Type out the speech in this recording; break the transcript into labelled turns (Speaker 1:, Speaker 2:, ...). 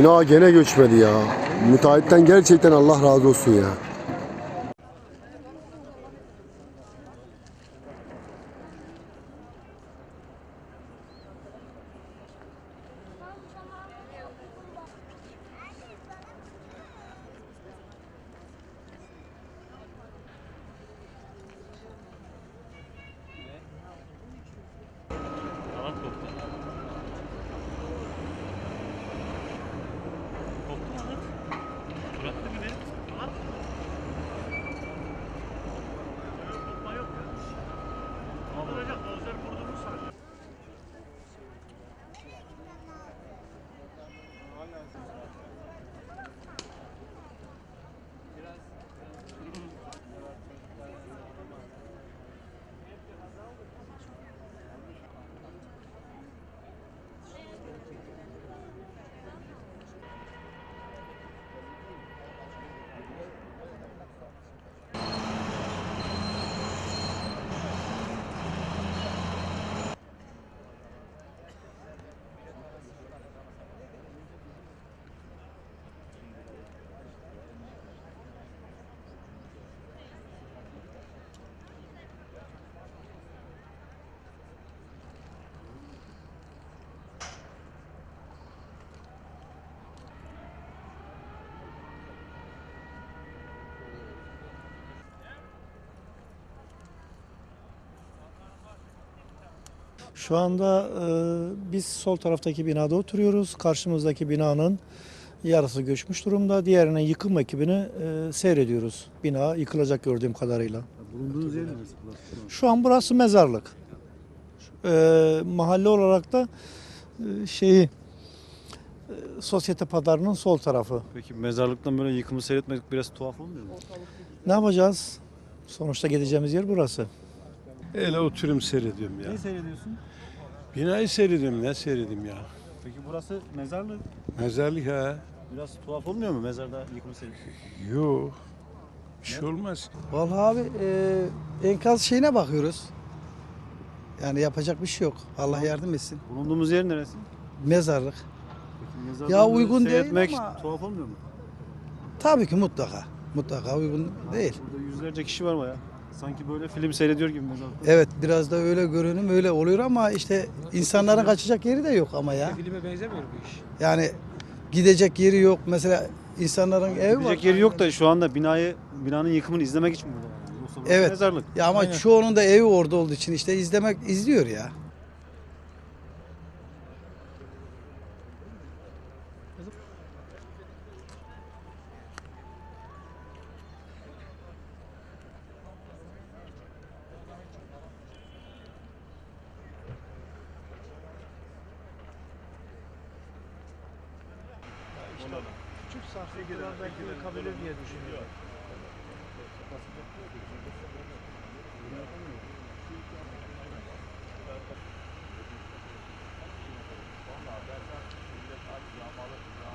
Speaker 1: Bina gene göçmedi ya. Müteahhitten gerçekten Allah razı olsun ya.
Speaker 2: Kanat koptu. Koptu mu kanat? Bıraktı bir de. Kanat. Yok, kopma yok ya. Kaldıracak. Dozer vurduğumuz sadece.
Speaker 3: Şu anda biz sol taraftaki binada oturuyoruz. Karşımızdaki binanın yarısı göçmüş durumda. Diğerinin yıkım ekibini seyrediyoruz. Bina yıkılacak gördüğüm kadarıyla.
Speaker 4: Bulunduğunuz yer neresi?
Speaker 3: Şu an burası mezarlık. Mahalle olarak da Sosyete Pazarı'nın sol tarafı.
Speaker 4: Peki mezarlıktan böyle yıkımı seyretmek biraz tuhaf olmuyor mu?
Speaker 3: Ne yapacağız? Sonuçta gideceğimiz yer burası.
Speaker 5: Öyle oturum seyrediyorum ya.
Speaker 4: Ne seyrediyorsun?
Speaker 5: Binayı seyrediyorum, ne seyredeyim ya.
Speaker 4: Peki burası mezarlık.
Speaker 5: Mezarlık ha.
Speaker 4: Biraz tuhaf olmuyor mu mezarda yıkımı seyretmek?
Speaker 5: Yok. Bir şey olmaz.
Speaker 6: Vallahi abi enkaz şeyine bakıyoruz. Yani yapacak bir şey yok. Allah yardım etsin.
Speaker 4: Bulunduğumuz yer neresi?
Speaker 6: Mezarlık.
Speaker 4: Peki mezardan
Speaker 6: Ya
Speaker 4: böyle
Speaker 6: uygun değil
Speaker 4: seyretmek
Speaker 6: ama-
Speaker 4: tuhaf olmuyor mu?
Speaker 6: Tabii ki mutlaka. Mutlaka uygun değil.
Speaker 4: Burada yüzlerce kişi var baya. Sanki böyle film seyrediyor gibi mezarlıkta.
Speaker 6: Evet biraz da öyle görünüm öyle oluyor ama işte insanların kaçacak yeri de yok ama ya.
Speaker 7: Filme benzemiyor bu iş.
Speaker 6: Yani gidecek yeri yok. Mesela insanların evi var.
Speaker 4: Gidecek yeri yok da şu anda binanın yıkımını izlemek için burada. Yani. Yoksa burası
Speaker 6: Evet.
Speaker 4: mezarlık.
Speaker 6: Ya ama çoğunun da evi orada olduğu için işte izliyor ya.
Speaker 3: Küçük sarsıntılar belki kalabilir diye düşünüyorum.
Speaker 2: Vallahi ben millet aç yağmalı.